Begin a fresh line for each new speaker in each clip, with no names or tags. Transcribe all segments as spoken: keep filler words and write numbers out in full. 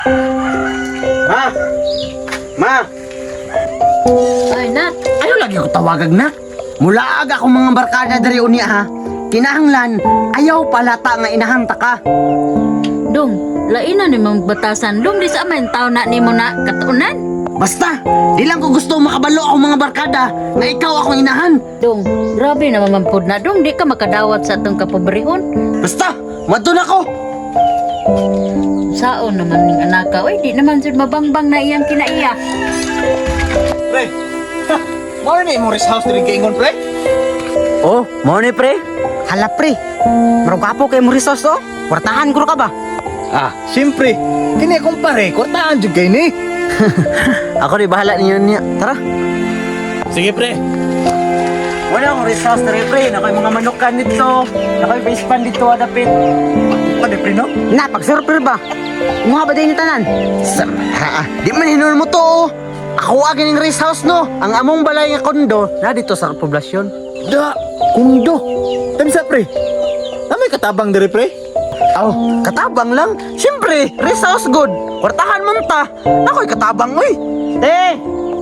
Ma! Ma!
Ay, Nat.
Ano lagi ko tawagag na? Mula aga akong mga barkada dari unya ha. Kinahanglan, ayaw palata nga inahanta ka.
Dong, lain na ni mong batasan. Dong, di sa aman tao na ni mo na katunan.
Basta, di lang ko gusto makabalo akong mga barkada nga ikaw akong inahan.
Dong, grabe na mamampod na. Dong, di ka makadawat sa atong kapobrehon.
Basta, madun ako.
Saon naman ning anak ka. Uy, di naman sud mabangbang na iyang kinaiya.
Pre, ha, mao ni imong rest house diri kay Ingon, pre?
Oh, mo ni pre? Hala pre, marugapo kay mo resource oh. Kwartahan ko ka ba?
Ah, siyempre. Kini akong pare, kortaan jud kay ni.
Ako di bahala ninyo niya. Tara.
Sige, pre.
Wala akong resource na pre. Nakoy mga manukan dito. Nakoy face pan dito adapit.
Pwede, pre, no?
Na, pag-surfer ba? Mga ba din tanan? Sara, di man hinul mo to oh. Ako agin ng rest house no. Ang among balay nga kondo na dito sa poblasyon.
Da, kundo. Tamsa, pre. Namay katabang diri, pre?
Aw, katabang lang. Siyempre, rest house good. Kwartahan mo ta. Nakoy katabang oy. Te!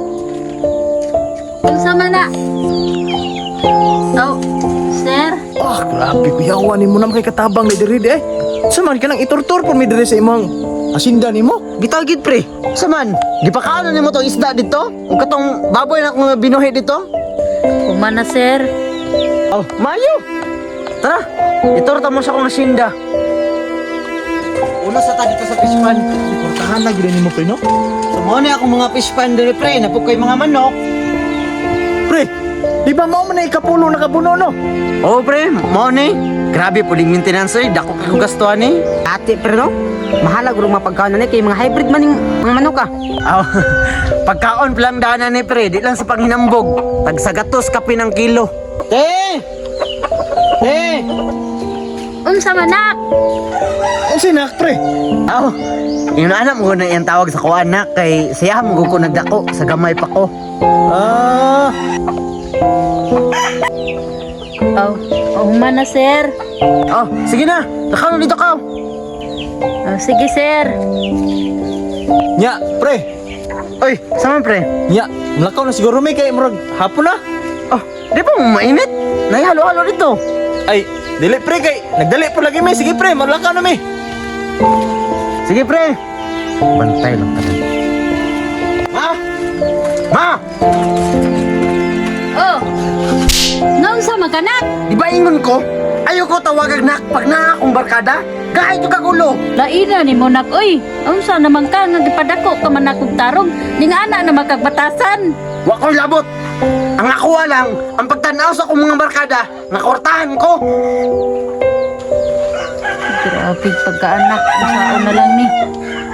Dong, sama na. Oh, sir.
Ah, grabe ko yawa ni mo naman kay katabang ni diri eh. Saman ka nang iturtur po mi diri sa imong asinda nimo.
Bitaw gid pre. Saman, di pa kaano nimo tong isda dito? Ug katong baboy na akong binuhi dito?
Kumana, sir.
Oh, mayo. Tara, iturta mo sa akong asinda. Una sa ta dito sa fish pan.
Kortahan na gid nimo, pre, no?
So mo ni akong mga fish pan diri pre, napugkoy mga manok.
Pre, di ba mao man na ikapulo na kabuno, no?
Oh pre, mo ni. Grabe puling maintenance oy, dako ka kong gastuhan ni. Ate pre no. Mahalag ug mapagkaon ni kay mga hybrid man ning mga manok ka. Aw. Pagkaon lang dana ni pre, di lang sa panghinambog. Tag sa gatos kape ng kilo. Te! Te!
Unsa man nak?
Ang sinak, pre.
Aw. Yung anak mo na iyang tawag sa ko anak kay siya mo ko nagdako sa gamay pa ko.
Ah,
Oh, oh, humana, sir.
Oh, sige na. Nakano dito ka.
Oh, sige, sir.
nya, pre.
Oy, sama pre.
Nya, lakaw na siguro may kay murag hapon na.
Oh, di ba mainit? Nahihalo-halo dito.
Ay, dili pre kay nagdali po lagi may. Sige pre, malakaw na may.
Sige pre. Bantay lang ka. Ma! Ma!
Oh, naunsa man ka, nak?
Di ba ingon ko? Ayoko tawagag nak pag na akong barkada. Kahit yung kagulo.
Laina ni mo nak, uy. Unsa naman ka nga gipadako ka man akong tarong ning ana na makagbatasan.
Wa ko'y labot. Ang nakuha lang, ang pagtanaw sa akong mga barkada, nakortahan ko.
Grabe pagkaanak, usaon na lang ni.